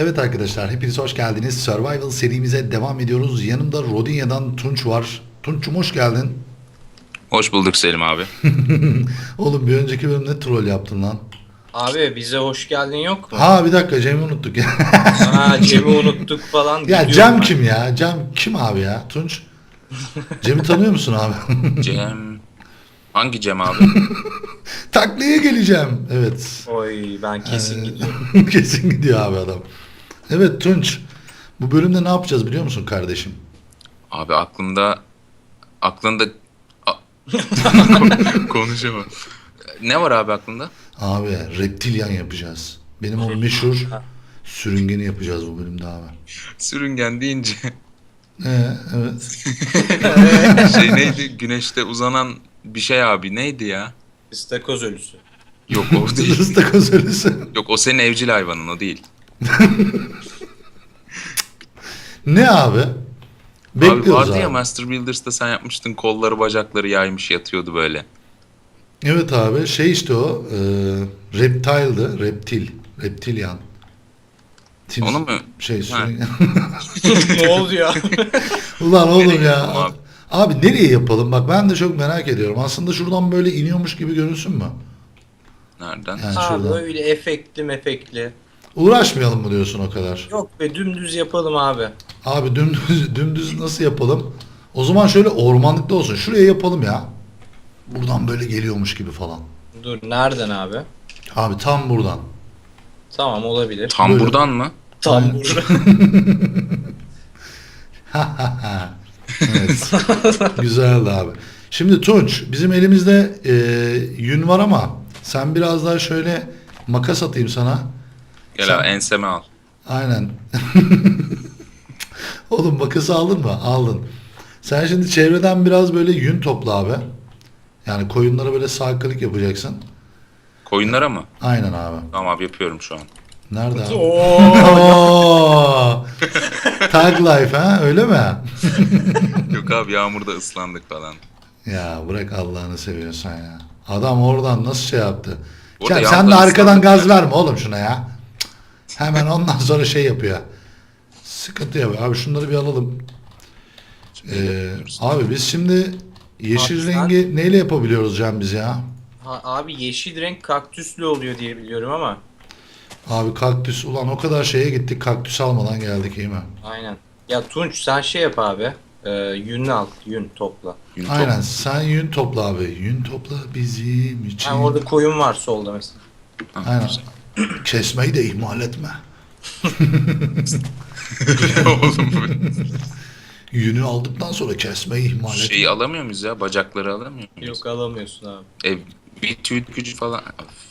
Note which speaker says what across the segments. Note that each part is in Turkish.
Speaker 1: Evet arkadaşlar, hepiniz hoş geldiniz. Survival serimize devam ediyoruz. Yanımda Rodinya'dan Tunç var. Tunç'um hoş geldin.
Speaker 2: Hoş bulduk Selim abi.
Speaker 1: Oğlum bir önceki bölümde troll yaptın lan.
Speaker 3: Abi bize hoş geldin yok mu?
Speaker 1: Ha bir dakika, Cem'i unuttuk ya.
Speaker 3: Ha Cem'i unuttuk falan
Speaker 1: Ya
Speaker 3: gidiyorum
Speaker 1: Cem
Speaker 3: ben.
Speaker 1: kim ya? Cem kim abi ya? Tunç. Cem'i tanıyor musun abi?
Speaker 2: Cem. Hangi Cem abi?
Speaker 1: Taklaya geleceğim. Evet.
Speaker 3: Oy ben kesin gidiyorum.
Speaker 1: Kesin gidiyor abi adam. Evet Tunç. Bu bölümde ne yapacağız biliyor musun kardeşim?
Speaker 2: Abi aklında konuşamam. Ne var abi aklında?
Speaker 1: Abi reptilyan yapacağız. Benim o meşhur sürüngeni yapacağız bu bölümde abi.
Speaker 2: Sürüngen deyince
Speaker 1: Evet.
Speaker 2: şey neydi? Güneşte uzanan bir şey abi. Neydi ya?
Speaker 3: İstakoz ölüsü.
Speaker 2: Yok o değil.
Speaker 1: Istakoz ölüsü.
Speaker 2: Yok o senin evcil hayvanın o değil.
Speaker 1: Ne abi?
Speaker 2: Abi
Speaker 1: Bekliyoruz
Speaker 2: vardı
Speaker 1: abi.
Speaker 2: ya Master Builders'ta sen yapmıştın, kolları bacakları yaymış yatıyordu böyle.
Speaker 1: Evet abi, şey işte o reptile'dı. Reptilyan.
Speaker 2: Onu mu?
Speaker 1: Şey
Speaker 2: Ha.
Speaker 3: Ne oldu ya?
Speaker 1: Ulan oğlum
Speaker 2: Nereye
Speaker 1: ya.
Speaker 2: yapalım abi?
Speaker 1: Abi nereye yapalım? Bak ben de çok merak ediyorum. Aslında şuradan böyle iniyormuş gibi görünsün mü?
Speaker 2: Nereden?
Speaker 1: Yani
Speaker 3: Abi
Speaker 1: şuradan.
Speaker 3: öyle efektli mefekli.
Speaker 1: Uğraşmayalım mı diyorsun o kadar?
Speaker 3: Yok be dümdüz yapalım abi.
Speaker 1: Abi dümdüz nasıl yapalım? O zaman şöyle ormanlıkta olsun. Şuraya yapalım ya. Buradan böyle geliyormuş gibi falan.
Speaker 3: Dur nereden abi?
Speaker 1: Abi tam buradan.
Speaker 3: Tamam olabilir.
Speaker 2: Tam
Speaker 1: Böyle.
Speaker 2: buradan mı?
Speaker 3: Tam
Speaker 1: Aynen.
Speaker 3: burada.
Speaker 1: Evet. Güzeldi abi. Şimdi Tunç, bizim elimizde yün var ama sen biraz daha şöyle makas atayım sana.
Speaker 2: Gel
Speaker 1: Sen-
Speaker 2: abi enseme al.
Speaker 1: Aynen. Oğlum makası aldın mı? Aldın. Sen şimdi çevreden biraz böyle yün topla abi. Yani koyunlara böyle sarkılık yapacaksın.
Speaker 2: Koyunlara mı?
Speaker 1: Aynen abi.
Speaker 2: Tamam abi yapıyorum şu an.
Speaker 1: Nerede abi?
Speaker 3: Oo.
Speaker 1: Oo! Tag life ha, öyle mi?
Speaker 2: Yok abi yağmurda ıslandık falan.
Speaker 1: Ya bırak Allah'ını seviyorsan ya. Adam oradan nasıl şey yaptı?
Speaker 2: Orada
Speaker 1: Ya sen de
Speaker 2: yalnız
Speaker 1: arkadan
Speaker 2: ıslandık
Speaker 1: gaz
Speaker 2: ya.
Speaker 1: verme oğlum şuna ya. Cık. Hemen ondan sonra şey yapıyor. Sıkıntı yapıyor. Abi şunları bir alalım. Abi biz şimdi yeşil
Speaker 3: Abi sen-
Speaker 1: rengi neyle yapabiliyoruz Can biz ya?
Speaker 3: Ha, abi yeşil renk kaktüslü oluyor diye biliyorum ama.
Speaker 1: Abi kaktüs, ulan o kadar şeye gittik, kaktüs almadan geldik, iyi mi?
Speaker 3: Aynen. Ya Tunç sen şey yap abi. Yün al. Yün topla.
Speaker 2: Gün
Speaker 1: Aynen, sen yün topla abi. Yün topla bizim için.
Speaker 3: Ha, orada koyun var solda mesela.
Speaker 1: Aynen. Kesmeyi de ihmal etme.
Speaker 2: Oğlum
Speaker 1: Yünü aldıktan sonra kesmeyi ihmal etme.
Speaker 2: şeyi alamıyor muyuz ya? Bacakları alamıyor muyuz?
Speaker 3: Yok alamıyorsun abi.
Speaker 2: Bir tüy gücü falan.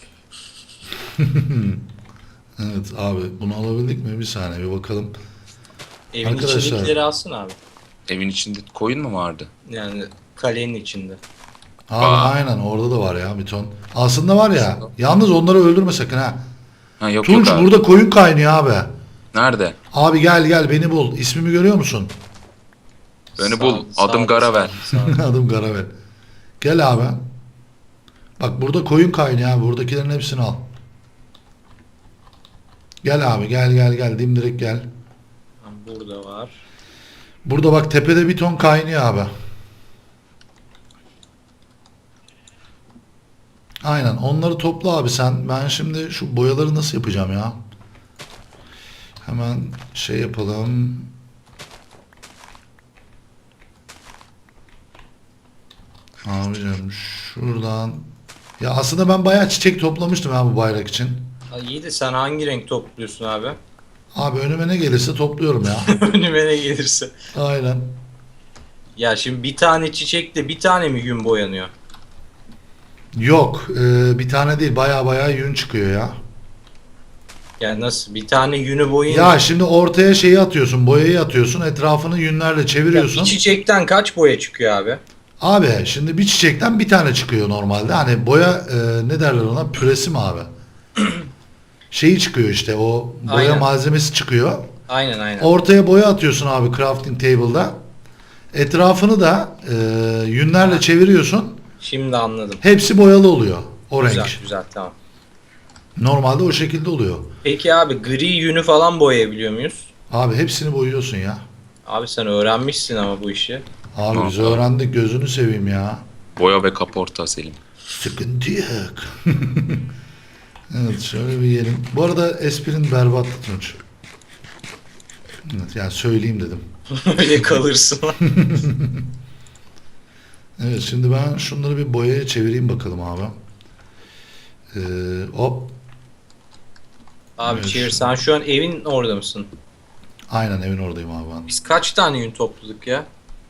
Speaker 1: Evet abi, bunu alabildik mi? Bir saniye bir bakalım.
Speaker 3: Evin
Speaker 1: Arkadaşlar.
Speaker 3: içindekileri alsın abi.
Speaker 2: Evin içinde koyun mu vardı?
Speaker 3: Yani kalenin içinde.
Speaker 1: Abi
Speaker 2: Aa.
Speaker 1: aynen, orada da var ya bir ton. Aslında var ya, yalnız onları öldürme sakın ha.
Speaker 2: Ha yok
Speaker 1: Tunç
Speaker 2: yok abi.
Speaker 1: burada koyun kaynıyor abi.
Speaker 2: Nerede?
Speaker 1: Abi gel beni bul. İsmimi görüyor musun?
Speaker 2: Beni bul. Adım Garavel.
Speaker 1: Adım Garavel. Gel abi. Bak burada koyun kaynıyor abi. Buradakilerin hepsini al. Gel abi, gel dimdirek gel.
Speaker 3: Burada var.
Speaker 1: Burada bak tepede bir ton kaynıyor abi. Aynen, onları topla abi sen. Ben şimdi şu boyaları nasıl yapacağım ya? Hemen şey yapalım. Abicim şuradan. Ya aslında ben bayağı çiçek toplamıştım ya bu bayrak için.
Speaker 3: Ha, iyi de sen hangi renk topluyorsun abi?
Speaker 1: Abi önüme ne gelirse topluyorum ya.
Speaker 3: Önüme ne gelirse.
Speaker 1: Aynen.
Speaker 3: Ya şimdi bir tane çiçekle bir tane mi yün boyanıyor?
Speaker 1: Yok, bir tane değil, bayağı yün çıkıyor ya.
Speaker 3: Yani nasıl? Bir tane yünü boyayınca...
Speaker 1: Ya şimdi ortaya şeyi atıyorsun, boyayı atıyorsun, etrafını yünlerle
Speaker 3: Ya
Speaker 1: çeviriyorsun.
Speaker 3: bir çiçekten kaç boya çıkıyor abi?
Speaker 1: Abi şimdi bir çiçekten bir tane çıkıyor normalde. Hani boya ne derler ona, püresi mi abi? Şeyi çıkıyor işte, o boya
Speaker 3: Aynen.
Speaker 1: malzemesi çıkıyor.
Speaker 3: Aynen.
Speaker 1: Ortaya boya atıyorsun abi crafting table'da. Etrafını da yünlerle
Speaker 3: Ha.
Speaker 1: çeviriyorsun.
Speaker 3: Şimdi anladım.
Speaker 1: Hepsi boyalı oluyor o
Speaker 3: Güzel
Speaker 1: renk.
Speaker 3: güzel tamam.
Speaker 1: Normalde o şekilde oluyor.
Speaker 3: Peki abi gri yünü falan boyayabiliyor muyuz?
Speaker 1: Abi hepsini boyuyorsun ya.
Speaker 3: Abi sen öğrenmişsin ama bu işi.
Speaker 1: Abi biz
Speaker 2: Abi.
Speaker 1: öğrendik, gözünü seveyim ya.
Speaker 2: Boya ve kaporta Selim.
Speaker 1: Sıkıntı yok. Evet, şöyle bir yiyelim. Bu arada esprin berbat Tunç. Evet, yani söyleyeyim dedim.
Speaker 3: Öyle kalırsın.
Speaker 1: Evet, şimdi ben şunları bir boyaya çevireyim bakalım abi. Hop.
Speaker 3: Abi
Speaker 1: Evet.
Speaker 3: Çevir, sen şu an evin orada mısın?
Speaker 1: Aynen, evin oradayım abi ben.
Speaker 3: Biz kaç tane yün topladık ya?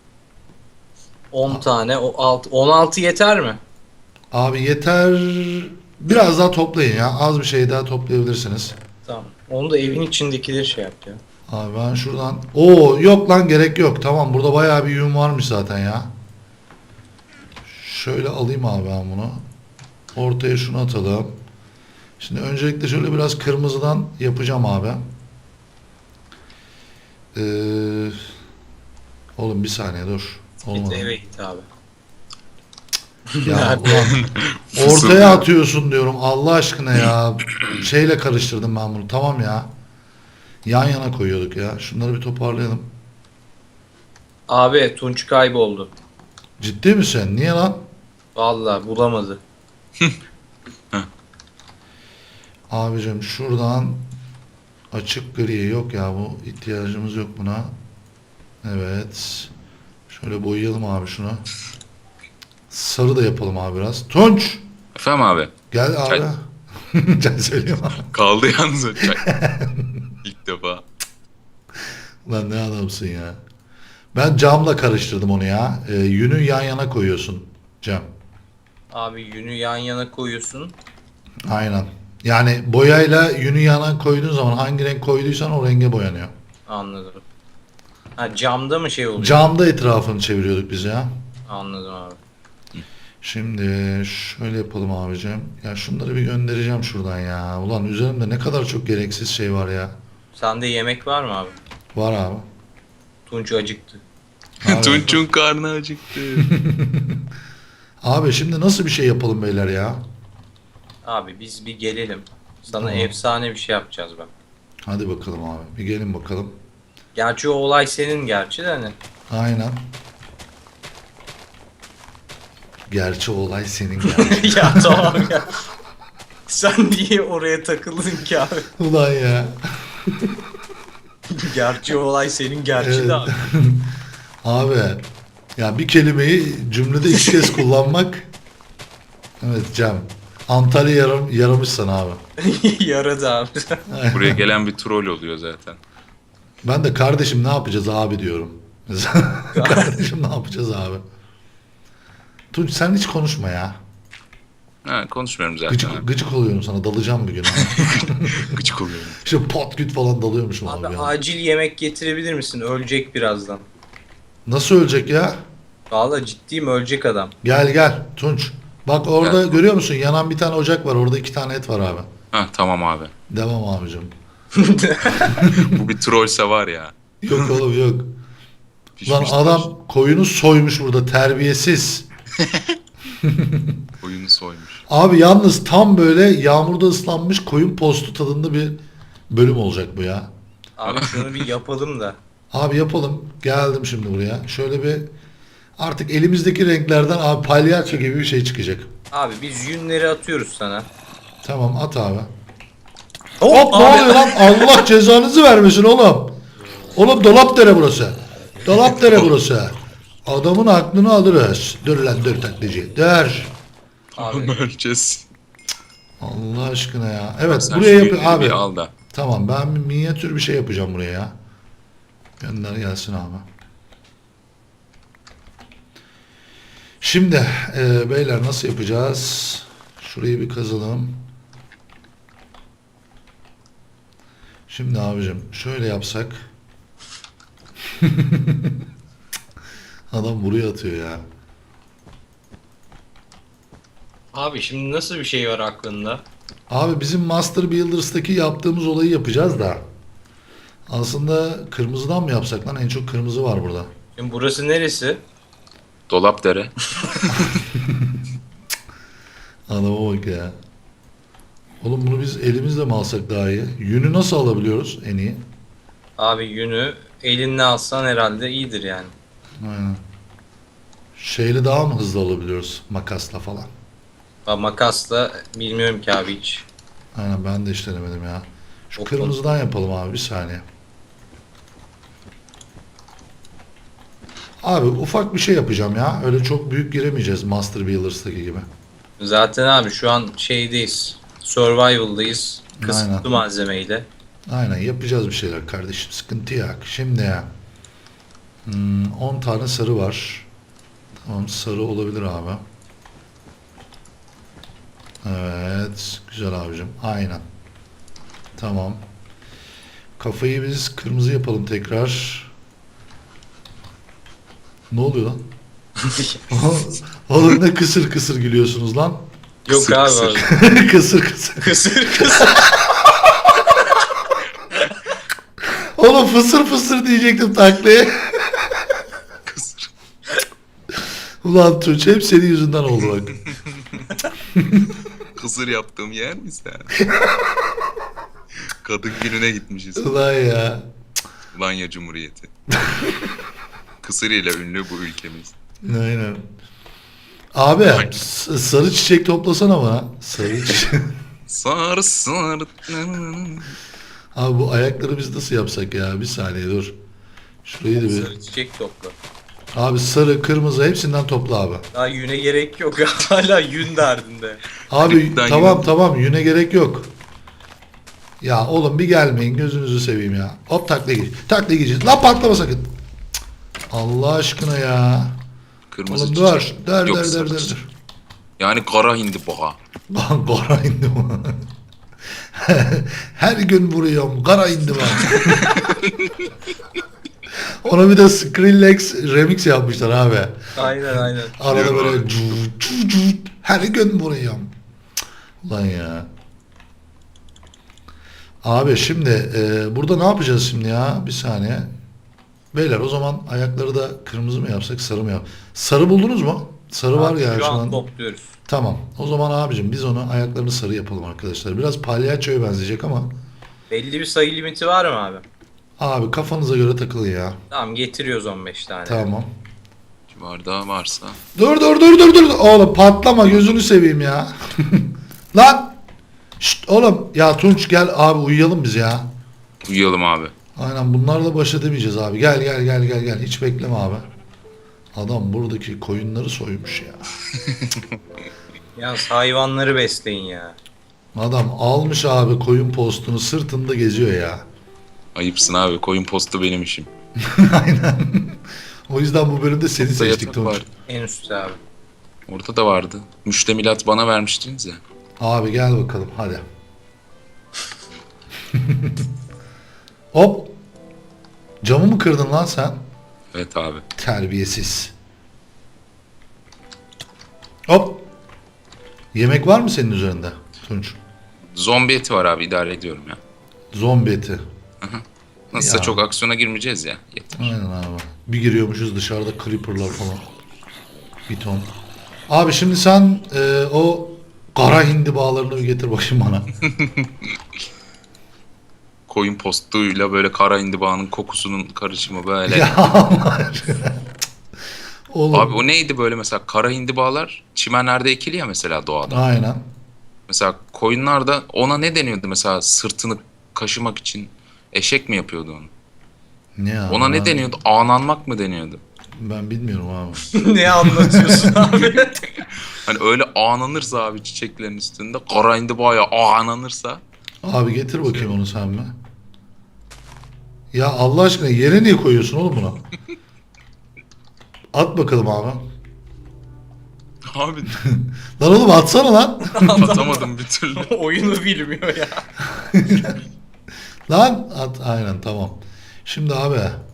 Speaker 3: 10 tane. O 16 yeter mi?
Speaker 1: Abi yeter. Biraz daha toplayın ya. Az bir şey daha toplayabilirsiniz.
Speaker 3: Tamam. Onu da evin içindekileri şey yap ya.
Speaker 1: Abi ben şuradan... Oo, yok lan, gerek yok. Tamam, burada bayağı bir yün varmış zaten ya. Şöyle alayım abi ben bunu. Ortaya şunu atalım. Şimdi öncelikle şöyle biraz kırmızıdan yapacağım abi. Oğlum bir saniye dur.
Speaker 3: Git
Speaker 1: Olmadı.
Speaker 3: eve git abi.
Speaker 1: Ya ulan, ortaya atıyorsun diyorum Allah aşkına ya. Şeyle karıştırdım ben bunu. Tamam ya. Yan yana koyuyorduk ya. Şunları bir toparlayalım.
Speaker 3: Abi Tunç kayboldu.
Speaker 1: Ciddi misin? Niye lan?
Speaker 3: Vallahi bulamadı.
Speaker 1: Abicim şuradan açık gri yok ya, bu ihtiyacımız yok buna. Evet. Şöyle boyayalım abi şunu. Sarı da yapalım abi biraz. Tunç!
Speaker 2: Efendim abi.
Speaker 1: Gel abi.
Speaker 2: Çay.
Speaker 1: Çay söyleyeyim abi.
Speaker 2: Kaldı yalnız o çay. İlk defa.
Speaker 1: Lan ne adamsın ya. Ben camla karıştırdım onu ya. Yünü yan yana koyuyorsun Cem.
Speaker 3: Abi yünü yan yana koyuyorsun.
Speaker 1: Aynen. Yani boyayla yünü yana koyduğun zaman hangi renk koyduysan o renge boyanıyor.
Speaker 3: Anladım. Ha camda mı şey oluyor?
Speaker 1: Camda etrafını çeviriyorduk biz ya.
Speaker 3: Anladım abi.
Speaker 1: Şimdi şöyle yapalım abicim. Ya şunları bir göndereceğim şuradan ya. Ulan üzerimde ne kadar çok gereksiz şey var ya.
Speaker 3: Sende yemek var mı abi?
Speaker 1: Var abi.
Speaker 3: Tunç acıktı.
Speaker 1: Abi.
Speaker 2: Tunç'un karnı acıktı.
Speaker 1: Abi şimdi nasıl bir şey yapalım beyler ya?
Speaker 3: Abi biz bir gelelim. Sana
Speaker 1: Tamam.
Speaker 3: efsane bir şey yapacağız bak.
Speaker 1: Hadi bakalım abi. Bir gelin bakalım.
Speaker 3: Gerçi o olay senin gerçi de hani.
Speaker 1: Aynen. Gerçi olay senin yani.
Speaker 3: Ya tamam ya. Sen niye oraya takıldın ki abi?
Speaker 1: Ulan ya.
Speaker 3: Gerçi o olay senin gerçi
Speaker 1: Evet.
Speaker 3: de abi.
Speaker 1: Abi ya bir kelimeyi cümlede iki kez kullanmak, evet Cem, Antalya yaramış sana abi.
Speaker 3: Yaradı abi.
Speaker 2: Buraya gelen bir troll oluyor zaten.
Speaker 1: Ben de kardeşim ne yapacağız abi diyorum. Mesela, kardeşim ne yapacağız abi. Tunç sen hiç konuşma ya.
Speaker 2: Ha, konuşmuyorum zaten.
Speaker 1: Gıcık, gıcık oluyorum sana, dalacağım bir gün.
Speaker 2: Gıcık oluyorum.
Speaker 1: İşte pot güt falan dalıyormuşum abi.
Speaker 3: Abi
Speaker 1: ya.
Speaker 3: acil yemek getirebilir misin? Ölecek birazdan.
Speaker 1: Nasıl ölecek ya?
Speaker 3: Vallahi ciddiyim, ölecek adam.
Speaker 1: Gel gel Tunç. Bak orada görüyor musun? Yanan bir tane ocak var. Orada 2 tane et var abi.
Speaker 2: Ha tamam abi.
Speaker 1: Devam abicim.
Speaker 2: Bu bir trollse var ya.
Speaker 1: Yok oğlum yok. Lan
Speaker 2: Pişmiş
Speaker 1: adam koyunu soymuş burada, terbiyesiz.
Speaker 2: Oyunu soymuş.
Speaker 1: Abi yalnız tam böyle yağmurda ıslanmış koyun postu tadında bir bölüm olacak bu ya.
Speaker 3: Abi şunu bir yapalım da.
Speaker 1: Abi yapalım. Geldim şimdi buraya. Şöyle bir artık elimizdeki renklerden abi palyaço gibi bir şey çıkacak.
Speaker 3: Abi biz yünleri atıyoruz sana.
Speaker 1: Tamam at abi.
Speaker 3: Hop,
Speaker 1: Hop ne
Speaker 3: abi.
Speaker 1: oluyor lan? Allah cezanızı vermesin oğlum. Oğlum Dolapdere burası. Dolapdere burası. Adamın aklını alırız. Dur lan dur taklacı. Dur.
Speaker 3: Abi
Speaker 2: Öleceğiz.
Speaker 1: Allah aşkına ya. Evet
Speaker 2: Sen
Speaker 1: buraya
Speaker 2: şu
Speaker 1: yap
Speaker 2: yünleri
Speaker 1: abi.
Speaker 2: bir al da.
Speaker 1: Tamam ben bir minyatür bir şey yapacağım buraya ya. Gönder gelsin abi. Şimdi beyler nasıl yapacağız? Şurayı bir kazalım. Şimdi abicim şöyle yapsak. Adam buraya atıyor ya.
Speaker 3: Abi şimdi nasıl bir şey var aklında?
Speaker 1: Abi bizim Master Builders'taki yaptığımız olayı yapacağız da. Aslında kırmızıdan mı yapsak lan? En çok kırmızı var burada.
Speaker 3: Şimdi burası neresi?
Speaker 2: Dolapdere.
Speaker 1: Adama bak ya. Oğlum bunu biz elimizle mi alsak daha iyi? Yünü nasıl alabiliyoruz en iyi?
Speaker 3: Abi yünü elinle alsan herhalde iyidir yani.
Speaker 1: Aynen. Şeyle daha mı hızlı alabiliyoruz? Makasla falan.
Speaker 3: Ha, makasla bilmiyorum ki abi hiç.
Speaker 1: Aynen ben de hiç denemedim ya. Şu
Speaker 3: Çok
Speaker 1: kırmızıdan yapalım abi bir saniye. Abi ufak bir şey yapacağım ya. Öyle çok büyük giremeyeceğiz Master Builders'taki gibi.
Speaker 3: Zaten abi şu an şeydeyiz. Survival'dayız. Kısıtlı
Speaker 1: Aynen.
Speaker 3: malzemeyle.
Speaker 1: Aynen yapacağız bir şeyler kardeşim. Sıkıntı yok. Şimdi ya. 10 tane sarı var. Tamam sarı olabilir abi. Evet. Güzel abicim. Aynen. Tamam. Kafayı biz kırmızı yapalım tekrar. Ne oluyor lan? Oğlum ne kısır kısır gülüyorsunuz lan?
Speaker 3: Yok
Speaker 2: Kısır
Speaker 3: abi.
Speaker 2: kısır.
Speaker 3: Abi.
Speaker 1: Kısır kısır.
Speaker 3: Kısır kısır.
Speaker 1: Oğlum fısır fısır diyecektim taklaya.
Speaker 2: Kısır.
Speaker 1: Ulan Tunç hep senin yüzünden oldu bak.
Speaker 2: Kısır yaptığım yer mi sen? Kadın gününe gitmişiz.
Speaker 1: Ulan ya.
Speaker 2: Lanya Cumhuriyeti. Kısır ile ünlü bu ülkemiz.
Speaker 1: Aynen. Abi sarı çiçek toplasana bana. Sarı çiçek.
Speaker 2: Sar sar.
Speaker 1: Abi bu ayakları biz nasıl yapsak ya? Bir saniye dur. Şurayı da bir.
Speaker 3: Sarı çiçek topla.
Speaker 1: Abi sarı, kırmızı hepsinden topla abi.
Speaker 3: Daha yüne gerek yok. Hala yün derdinde.
Speaker 1: Abi
Speaker 2: Hepsinden
Speaker 1: tamam
Speaker 2: yine-
Speaker 1: tamam yüne gerek yok. Ya oğlum bir gelmeyin gözünüzü seveyim ya. Hop takla geç. Takla geçeceğiz. Lan patlama sakın. Cık. Allah aşkına ya.
Speaker 2: Kırmızı
Speaker 1: Oğlum
Speaker 2: çiçek.
Speaker 1: dur. Der
Speaker 2: Yok,
Speaker 1: der
Speaker 2: sarı
Speaker 1: der der.
Speaker 2: çiçek. Yani kara hindibağa.
Speaker 1: Lan kara indi mi? Her gün vuruyorum. Kara indi mi? Ona bir de Skrillex remix yapmışlar abi.
Speaker 3: Aynen aynen.
Speaker 1: Arada
Speaker 2: Biliyorum
Speaker 1: böyle
Speaker 2: abi.
Speaker 1: cut cut cut. Her gün vuruyorum. Ulan ya. Abi şimdi burada ne yapacağız şimdi ya? Bir saniye. Beyler o zaman ayakları da kırmızı mı yapsak sarı mı yap? Sarı buldunuz mu? Sarı var
Speaker 3: Abi
Speaker 1: ya
Speaker 3: şu
Speaker 1: şu
Speaker 3: an
Speaker 1: an.
Speaker 3: topluyoruz.
Speaker 1: Tamam. O zaman abicim biz onu ayaklarını sarı yapalım arkadaşlar. Biraz palyaçoya benzeyecek ama
Speaker 3: Belli bir sayı limiti var mı abi?
Speaker 1: abi kafanıza göre takılın ya.
Speaker 3: Tamam getiriyoruz 15 tane.
Speaker 1: Tamam.
Speaker 2: Bardağı varsa.
Speaker 1: Dur. Oğlum patlama gözünü seveyim ya. Lan. Şşt, oğlum ya Tunç gel abi uyuyalım biz ya.
Speaker 2: Uyuyalım abi.
Speaker 1: Aynen bunlarla baş edemeyeceğiz abi. Gel. Hiç bekleme abi. Adam buradaki koyunları soymuş ya.
Speaker 3: Yalnız hayvanları besleyin ya.
Speaker 1: Adam almış abi koyun postunu sırtında geziyor ya.
Speaker 2: Ayıpsın abi. Koyun postu benim işim.
Speaker 1: Aynen. O yüzden bu bölümde seni
Speaker 2: Burada
Speaker 1: seçtik
Speaker 2: yatak
Speaker 1: Tunç.
Speaker 2: var.
Speaker 3: En üstte abi.
Speaker 2: Orada da vardı. Müştemilat bana vermiştiniz ya.
Speaker 1: Abi gel bakalım hadi. Hop. Camı mı kırdın lan sen?
Speaker 2: Evet abi.
Speaker 1: Terbiyesiz. Hop. Yemek var mı senin üzerinde Tunç?
Speaker 2: Zombi eti var abi. İdare ediyorum ya.
Speaker 1: Zombi eti.
Speaker 2: Nasılsa
Speaker 1: Ya.
Speaker 2: çok aksiyona girmeyeceğiz ya. Yeter.
Speaker 1: Aynen abi. Bir giriyormuşuz dışarıda creeperlar falan. Bir ton. Abi şimdi sen o kara hindi bağlarını bir getir bakayım bana.
Speaker 2: Koyun postuyla böyle kara indibağının kokusunun karışımı böyle.
Speaker 1: Ya Allah aşkına. Oğlum.
Speaker 2: Abi o neydi böyle mesela kara hindibağlar çimenlerde ekili ya mesela doğada.
Speaker 1: Aynen.
Speaker 2: Mesela koyunlar da ona ne deniyordu mesela sırtını kaşımak için eşek mi yapıyordu onu?
Speaker 1: Ne abi?
Speaker 2: Ona ne
Speaker 1: ben-
Speaker 2: deniyordu? Ağlanmak mı deniyordu?
Speaker 1: Ben bilmiyorum abi.
Speaker 3: Ne anlatıyorsun abi?
Speaker 2: Hani öyle ağlanırsa abi çiçeklerin üstünde kara hindibağa ağlanırsa
Speaker 1: Abi getir bakayım onu sen mi? Ya Allah aşkına yere niye koyuyorsun oğlum bunu? At bakalım abi.
Speaker 2: abi
Speaker 1: Lan oğlum atsana lan.
Speaker 2: atamadım bir türlü.
Speaker 3: Oyunu bilmiyor ya.
Speaker 1: Lan at aynen tamam. Şimdi abi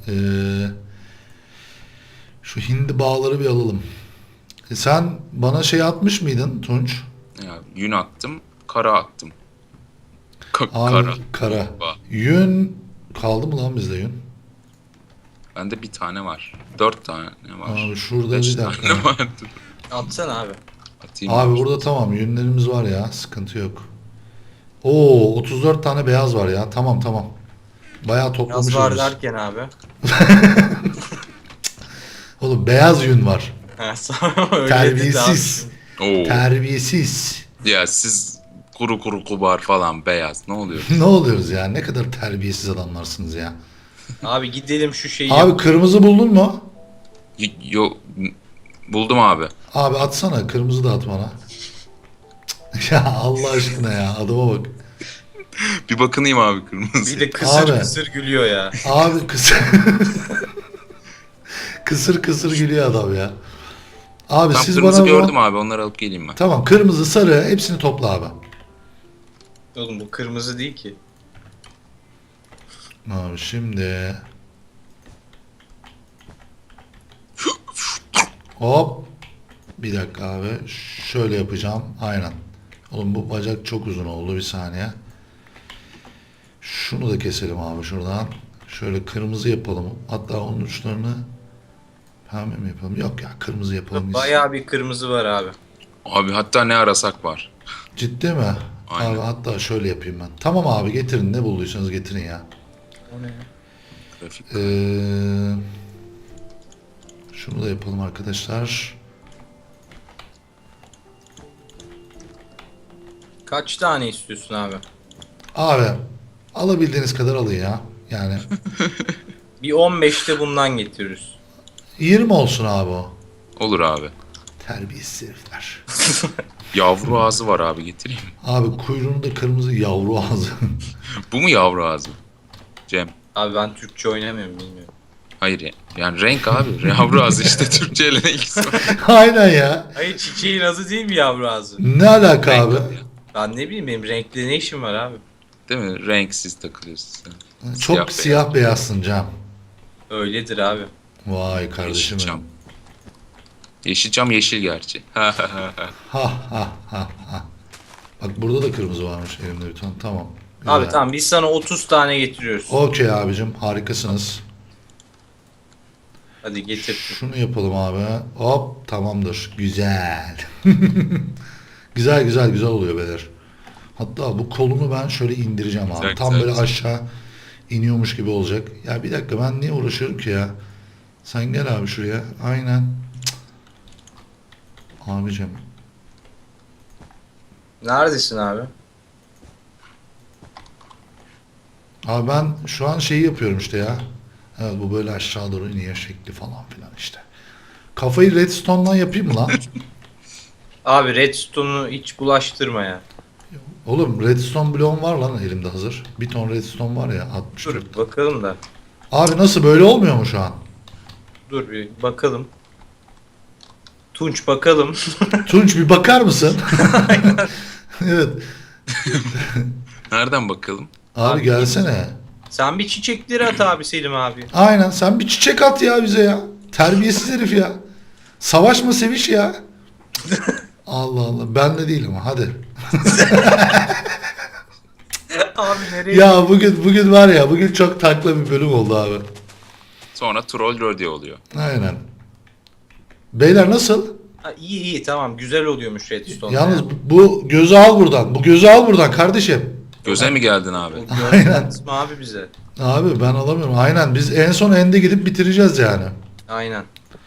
Speaker 1: şu hindi bağları bir alalım. Sen bana şey atmış mıydın Tunç?
Speaker 2: Ya, yün attım, kara attım.
Speaker 1: Abi
Speaker 2: Kara.
Speaker 1: kara.
Speaker 2: Bak.
Speaker 1: Yün kaldı mı lan bizde yün?
Speaker 2: Bende bir tane var. 4 tane var.
Speaker 1: Abi şurada
Speaker 2: 5
Speaker 1: bir dakika.
Speaker 2: tane vardı.
Speaker 3: Atsana abi.
Speaker 2: Atayım.
Speaker 1: Abi burada tamam yünlerimiz var ya sıkıntı yok. Oo 34 tane beyaz var ya. Tamam tamam. Bayağı
Speaker 3: Yaz
Speaker 1: toplamışız
Speaker 3: var
Speaker 1: biz.
Speaker 3: derken abi.
Speaker 1: Oğlum beyaz yün var.
Speaker 3: Ha, sonra öyle
Speaker 1: Terbiyesiz.
Speaker 2: Oo.
Speaker 1: Terbiyesiz.
Speaker 2: Ya siz kuru kuru kubar falan beyaz ne oluyor?
Speaker 1: Ne oluyoruz ya? Ne kadar terbiyesiz adamlarsınız ya.
Speaker 3: Abi gidelim şu şeyi
Speaker 1: Abi kırmızı buldun mu?
Speaker 2: Yo, buldum abi.
Speaker 1: Abi atsana. Kırmızı da at bana. Ya Allah aşkına ya. Adama bak.
Speaker 2: Bir bakınayım abi kırmızı.
Speaker 3: Bir de kısır
Speaker 1: Abi.
Speaker 3: kısır gülüyor ya.
Speaker 1: Abi kısır. Kısır kısır gülüyor adam ya. Abi
Speaker 2: Tam
Speaker 1: siz
Speaker 2: kırmızı
Speaker 1: bana
Speaker 2: gördüm abi onları alıp geleyim ben.
Speaker 1: Tamam kırmızı sarı hepsini topla abi.
Speaker 3: Oğlum bu kırmızı değil ki.
Speaker 1: Abi şimdi hop bir dakika abi şöyle yapacağım aynen. Oğlum bu bacak çok uzun oldu bir saniye. Şunu da keselim abi şuradan. Şöyle kırmızı yapalım. Hatta onun uçlarını pembe mi yapalım? Yok ya kırmızı yapalım.
Speaker 3: Bayağı bir kırmızı var abi.
Speaker 2: Abi hatta ne arasak var.
Speaker 1: Ciddi mi?
Speaker 2: Aynen.
Speaker 1: Abi hatta şöyle yapayım ben. Tamam abi getirin ne bulduysanız getirin ya.
Speaker 3: O ne ya?
Speaker 2: Grafik.
Speaker 1: Şunu da yapalım arkadaşlar.
Speaker 3: Kaç tane istiyorsun abi?
Speaker 1: Abi alabildiğiniz kadar alın ya. Yani
Speaker 3: Bir 15'te bundan getiririz.
Speaker 1: 20 olsun abi o.
Speaker 2: Olur abi.
Speaker 1: Terbiyesiz herifler.
Speaker 2: Yavru ağzı var abi getireyim.
Speaker 1: Abi kuyruğunda kırmızı yavru ağzı.
Speaker 2: Bu mu yavru ağzı? Cem.
Speaker 3: Abi ben Türkçe oynamıyorum bilmiyorum.
Speaker 2: Hayır ya. Yani renk abi. Yavru ağzı işte Türkçe ile ne ilgisi var?
Speaker 1: Aynen ya.
Speaker 3: Hayır çiçeğin adı değil mi yavru ağzı?
Speaker 1: Ne alaka
Speaker 2: Renk
Speaker 1: abi?
Speaker 2: abi ya.
Speaker 3: Ben ne bileyim benim renkli ne işim var abi?
Speaker 2: Değil mi? Renksiz takılıyorsun sen.
Speaker 1: Çok siyah beyazsın Cem.
Speaker 3: Öyledir abi.
Speaker 1: Vay kardeşim
Speaker 2: Yeşilçam.
Speaker 1: benim.
Speaker 2: Yeşilçam yeşil gerçi.
Speaker 1: Ha ha ha ha. Bak burada da kırmızı varmış elimde bir tane. Tamam.
Speaker 3: Abi
Speaker 1: Güzel.
Speaker 3: tamam biz sana 30 tane getiriyoruz.
Speaker 1: Okey abicim harikasınız.
Speaker 3: Hadi getir.
Speaker 1: Şunu yapalım abi. Hop tamamdır. Güzel. Güzel güzel güzel oluyor beyler. Hatta bu kolunu ben şöyle indireceğim abi.
Speaker 2: Güzel,
Speaker 1: Tam
Speaker 2: güzel,
Speaker 1: böyle
Speaker 2: güzel.
Speaker 1: aşağı iniyormuş gibi olacak. Ya bir dakika ben niye uğraşıyorum ki ya? Sen gel abi şuraya. Aynen. Cık. Abicim.
Speaker 3: Neredesin abi?
Speaker 1: Abi ben şu an şeyi yapıyorum işte ya. Evet bu böyle aşağı doğru iniyor şekli falan filan işte. Kafayı redstone'dan yapayım mı lan?
Speaker 3: Abi redstone'u hiç bulaştırma ya.
Speaker 1: Oğlum redstone bloğum var lan elimde hazır. Bir ton redstone var ya 64.
Speaker 3: Dur bakalım da.
Speaker 1: Abi nasıl böyle olmuyor mu şu an?
Speaker 3: Dur bir bakalım. Tunç bakalım.
Speaker 1: Tunç bir bakar mısın? Evet.
Speaker 2: Nereden bakalım?
Speaker 1: Abi
Speaker 3: Abi,
Speaker 1: gelsene.
Speaker 3: Sen bir çiçekleri at abi Selim abi.
Speaker 1: Aynen sen bir çiçek at ya bize ya. Terbiyesiz herif ya. Savaşma seviş ya. Allah Allah ben de değilim hadi.
Speaker 3: Abi nereye?
Speaker 1: Ya bugün var ya bugün çok takla bir bölüm oldu abi.
Speaker 2: Sonra troll rodeo oluyor.
Speaker 1: Aynen. Beyler nasıl?
Speaker 3: Ha, iyi iyi tamam güzel oluyormuş redstone.
Speaker 1: Yalnız
Speaker 3: ya.
Speaker 1: bu gözü al buradan. Bu gözü al buradan kardeşim.
Speaker 2: Göze mi geldin abi?
Speaker 3: O
Speaker 1: Aynen.
Speaker 3: gördünüz mü abi bize?
Speaker 1: Abi ben alamıyorum. Aynen biz en son ende gidip bitireceğiz yani.
Speaker 3: Aynen.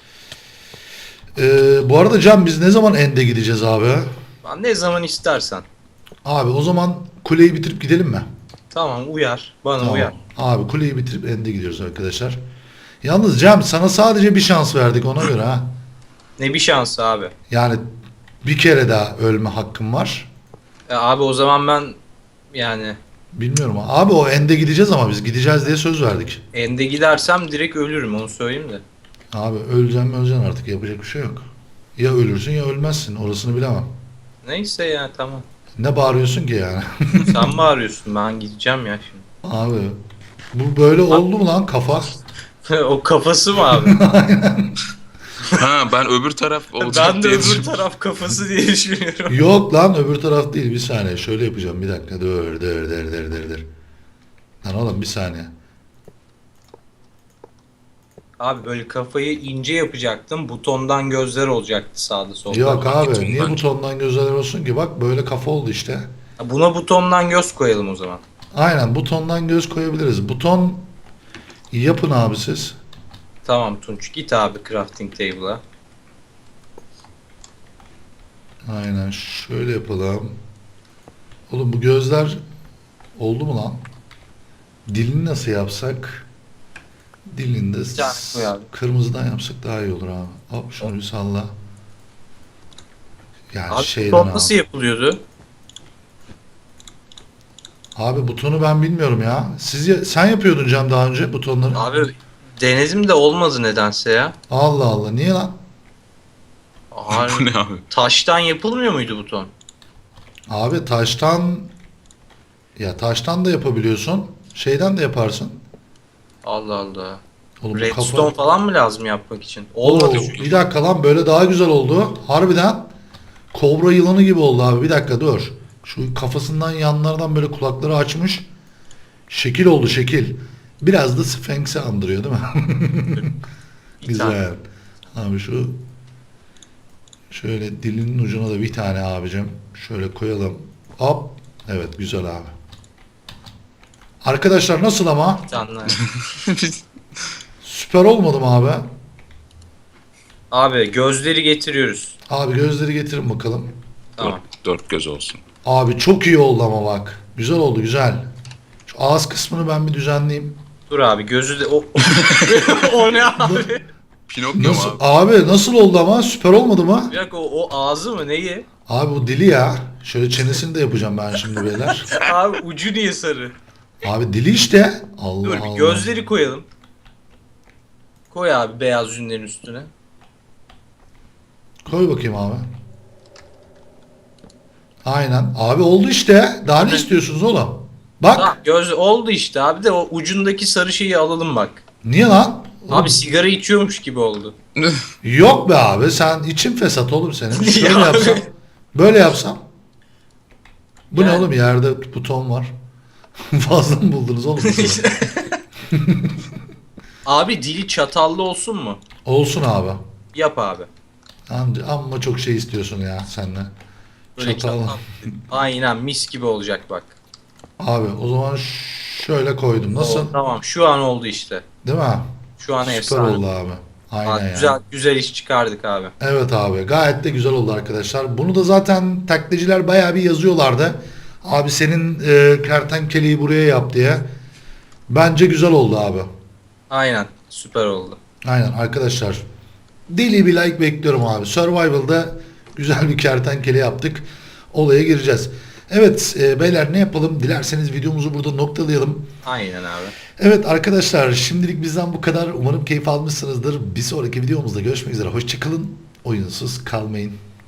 Speaker 1: Bu arada Can biz ne zaman ende gideceğiz abi?
Speaker 3: Ben ne zaman istersen.
Speaker 1: Abi o zaman kuleyi bitirip gidelim mi?
Speaker 3: Tamam uyar. Bana
Speaker 1: Tamam.
Speaker 3: uyar.
Speaker 1: Abi kuleyi bitirip ende gidiyoruz arkadaşlar. Yalnız Cem sana sadece bir şans verdik ona göre ha.
Speaker 3: Ne bir şansı abi.
Speaker 1: Yani bir kere daha ölme hakkım var.
Speaker 3: Abi o zaman ben yani
Speaker 1: Bilmiyorum abi o ende gideceğiz ama biz gideceğiz diye söz verdik.
Speaker 3: ende gidersem direkt ölürüm onu söyleyeyim de.
Speaker 1: Abi öleceksin artık yapacak bir şey yok. Ya ölürsün ya ölmezsin orasını bilemem.
Speaker 3: Neyse ya tamam.
Speaker 1: Ne bağırıyorsun ki yani?
Speaker 3: Sen mi arıyorsun? Ben gideceğim ya şimdi.
Speaker 1: Abi bu böyle oldu mu lan kafa?
Speaker 3: O kafası mı abi?
Speaker 2: Ha ben öbür taraf olacak
Speaker 3: Ben de
Speaker 2: diye
Speaker 3: öbür
Speaker 2: düşündüm.
Speaker 3: taraf kafası diye düşünüyorum.
Speaker 1: Yok lan öbür taraf değil bir saniye şöyle yapacağım bir dakika dur. Lan oğlum bir saniye.
Speaker 3: Abi böyle kafayı ince yapacaktım. Butondan gözler olacaktı sağda solda.
Speaker 1: Yok abi
Speaker 2: Gittim
Speaker 1: niye
Speaker 2: bence.
Speaker 1: butondan gözler olsun ki bak böyle kafa oldu işte.
Speaker 3: Buna butondan göz koyalım o zaman.
Speaker 1: Aynen butondan göz koyabiliriz. Buton yapın abi siz.
Speaker 3: Tamam Tunç, git abi crafting table'a.
Speaker 1: Aynen şöyle yapalım. Oğlum bu gözler oldu mu lan? Dilini nasıl yapsak? Dilini de
Speaker 3: tane koy abi.
Speaker 1: kırmızıdan yapsak daha iyi olur abi. Hop şunu bir salla. Yani
Speaker 3: Abi
Speaker 1: şeyden
Speaker 3: buton
Speaker 1: abi.
Speaker 3: nasıl yapılıyordu?
Speaker 1: Abi butonu ben bilmiyorum ya. Sen yapıyordun Cem daha önce butonları.
Speaker 3: Abi denedim de olmadı nedense ya.
Speaker 1: Allah Allah niye lan?
Speaker 3: Abi,
Speaker 2: Bu ne abi?
Speaker 3: taştan yapılmıyor muydu buton?
Speaker 1: Abi taştan da yapabiliyorsun. Şeyden de yaparsın.
Speaker 3: Allah Allah.
Speaker 1: Oğlum bu
Speaker 3: Redstone falan mı lazım yapmak için?
Speaker 1: Oo,
Speaker 3: Olmadı.
Speaker 1: bir dakika lan böyle daha güzel oldu. Harbiden kobra yılanı gibi oldu abi. Bir dakika dur. Şu kafasından yanlardan böyle kulakları açmış. Şekil oldu şekil. Biraz da Sphinx'i andırıyor değil mi?
Speaker 3: Bir tane.
Speaker 1: Güzel. Abi şöyle dilinin ucuna da bir tane abicim. Şöyle koyalım. Hop. Evet güzel abi. Arkadaşlar nasıl ama?
Speaker 3: Bir tane.
Speaker 1: Süper olmadı mı abi?
Speaker 3: Abi gözleri getiriyoruz.
Speaker 1: Abi gözleri getirin bakalım.
Speaker 3: Tamam.
Speaker 2: Dört göz olsun.
Speaker 1: Abi çok iyi oldu ama bak. Güzel oldu güzel. Şu ağız kısmını ben bir düzenleyeyim.
Speaker 3: Dur abi gözü de o o ne abi?
Speaker 2: Pinokyo mu
Speaker 1: Nasıl
Speaker 2: abi?
Speaker 1: abi nasıl oldu ama? Süper olmadı mı?
Speaker 3: Bir dakika o ağzı mı neyi?
Speaker 1: Abi bu dili ya. Şöyle çenesini de yapacağım ben şimdi beyler.
Speaker 3: Abi ucu niye sarı?
Speaker 1: Abi dili işte. Allah
Speaker 3: Dur
Speaker 1: Allah.
Speaker 3: bir gözleri koyalım. Koy abi beyaz yünlerin üstüne.
Speaker 1: Koy bakayım abi. Aynen. Abi oldu işte. Daha ne istiyorsunuz oğlum? Bak.
Speaker 3: Tamam göz oldu işte abi de o ucundaki sarı şeyi alalım bak.
Speaker 1: Niye lan? Oğlum,
Speaker 3: Abi sigara içiyormuş gibi oldu.
Speaker 1: yok be abi. Sen için fesat oğlum senin.
Speaker 3: Niye
Speaker 1: Şöyle
Speaker 3: abi?
Speaker 1: yapsam. Böyle yapsam. Bu ne
Speaker 3: Yani-
Speaker 1: oğlum? Yerde buton var. Fazla mı buldunuz oğlum? butonu?
Speaker 3: Abi dili çatallı olsun mu?
Speaker 1: Olsun abi.
Speaker 3: Yap abi.
Speaker 1: Amma çok şey istiyorsun ya senle.
Speaker 3: Böyle
Speaker 1: Çatal.
Speaker 3: Aynen mis gibi olacak bak.
Speaker 1: Abi o zaman şöyle koydum. Nasıl?
Speaker 3: Tamam şu an oldu işte.
Speaker 1: Değil mi?
Speaker 3: Şu an
Speaker 1: Süper
Speaker 3: efsane.
Speaker 1: oldu abi. Aynen
Speaker 3: Abi,
Speaker 1: ya.
Speaker 3: güzel iş çıkardık abi.
Speaker 1: Evet abi gayet de güzel oldu arkadaşlar. Bunu da zaten taklitçiler bayağı bir yazıyorlardı. Abi senin kertenkeleyi buraya yap diye. Bence güzel oldu abi.
Speaker 3: Aynen süper oldu.
Speaker 1: Aynen arkadaşlar. Deli bir like bekliyorum abi. Survival'da güzel bir kertenkele yaptık. Olaya gireceğiz. Evet beyler ne yapalım? Dilerseniz videomuzu burada noktalayalım.
Speaker 3: Aynen abi.
Speaker 1: Evet arkadaşlar şimdilik bizden bu kadar. Umarım keyif almışsınızdır. Bir sonraki videomuzda görüşmek üzere. Hoşçakalın. Oyunsuz kalmayın.